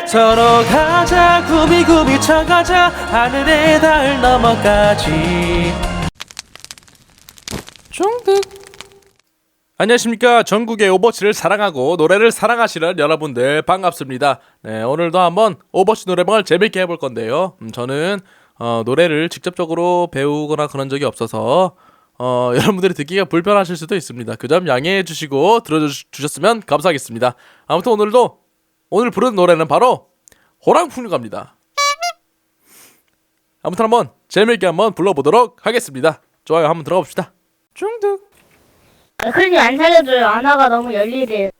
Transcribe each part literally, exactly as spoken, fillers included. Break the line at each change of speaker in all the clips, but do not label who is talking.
서로 가자 구비구비 쳐가자 하늘에 닿을 너머까지. 중득. 안녕하십니까. 전국의 오버워치를 사랑하고 노래를 사랑하시는 여러분들 반갑습니다. 네, 오늘도 한번 오버워치 노래방을 재밌게 해볼 건데요. 음, 저는 어, 노래를 직접적으로 배우거나 그런 적이 없어서 어, 여러분들이 듣기가 불편하실 수도 있습니다. 그 점 양해해 주시고 들어주셨으면 감사하겠습니다. 아무튼 오늘도 오늘 부르는 노래는 바로 호랑풍류가입니다. 아무튼 한번 재밌게 한번 불러보도록 하겠습니다. 좋아요, 한번 들어봅시다. 중득.
아, 클님 안 살려줘요. 안화가 너무 열일해요.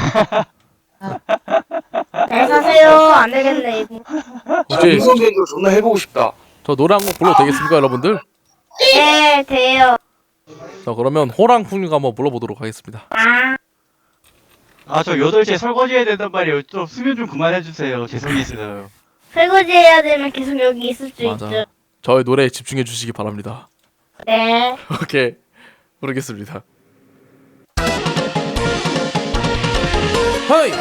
네, 사세요. 안 되겠네, 이거.
혹시
인성계도 존나 해보고 싶다.
저 노래 한 곡 불러도 되겠습니까, 여러분들?
네, 돼요.
자, 그러면 호랑풍류가 한번 불러보도록 하겠습니다.
아,
아, 저 여덟 시에 설거지 해야 된단 말이에요. 좀 수면 좀 그만해주세요. 죄송해요.
설거지 해야 되면 계속 여기 있을 수
맞아.
있죠.
저의 노래에 집중해 주시기 바랍니다.
네.
오케이, 부르겠습니다. 허이!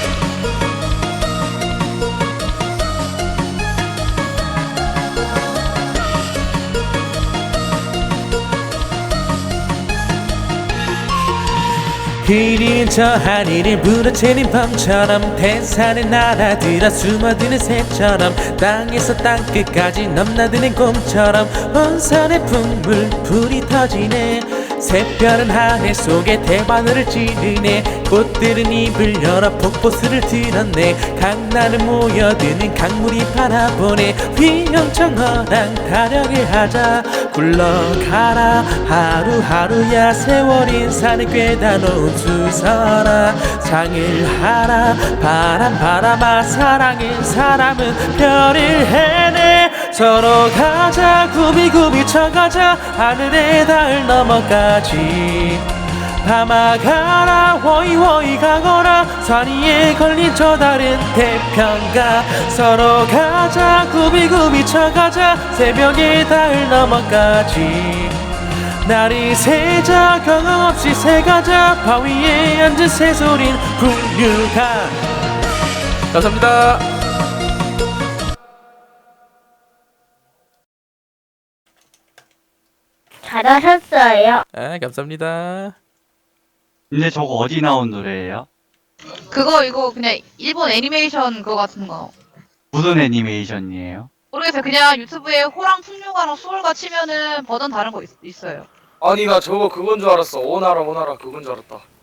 그린 저 하늘을 부러뜨린 밤처럼 태산을 날아들어 숨어드는 새처럼 땅에서 땅끝까지 넘나드는 곰처럼 온산의 풍물 불이 터지네. 새별은 하늘 속에 대바늘을 찌르네. 꽃들은 입을 열어 폭포수를 들었네. 강나를 모여드는 강물이 바라보네. 휘영청어랑 타령을 하자. 굴러가라 하루하루야 세월 인산을 꿰다 놓은 수설아. 상을 하라 바람 바람아 사랑은 사람은 별을 해내. 서로 가자 구비구비 쳐가자 하늘에 닿을 너머까지. 밤아가라 워이워이 가거라 산 위에 걸린 저 다른 태평가. 서로 가자 구비구비 쳐가자 새벽에 닿을 너머까지. 날이 새자 경험 없이 새가자 바위에 앉은 새소린 풍류가. 감사합니다.
잘하셨어요.
네, 감사합니다.
근데 저거 어디 나온 노래예요?
그거 이거 그냥 일본 애니메이션 그거 같은 거
무슨 애니메이션이에요?
모르겠어요. 그냥 유튜브에 호랑 풍류가랑 수월가 치면은 버전 다른 거 있, 있어요.
아니 나 저거 그건 줄 알았어. 오나라 오나라 그건 줄 알았다.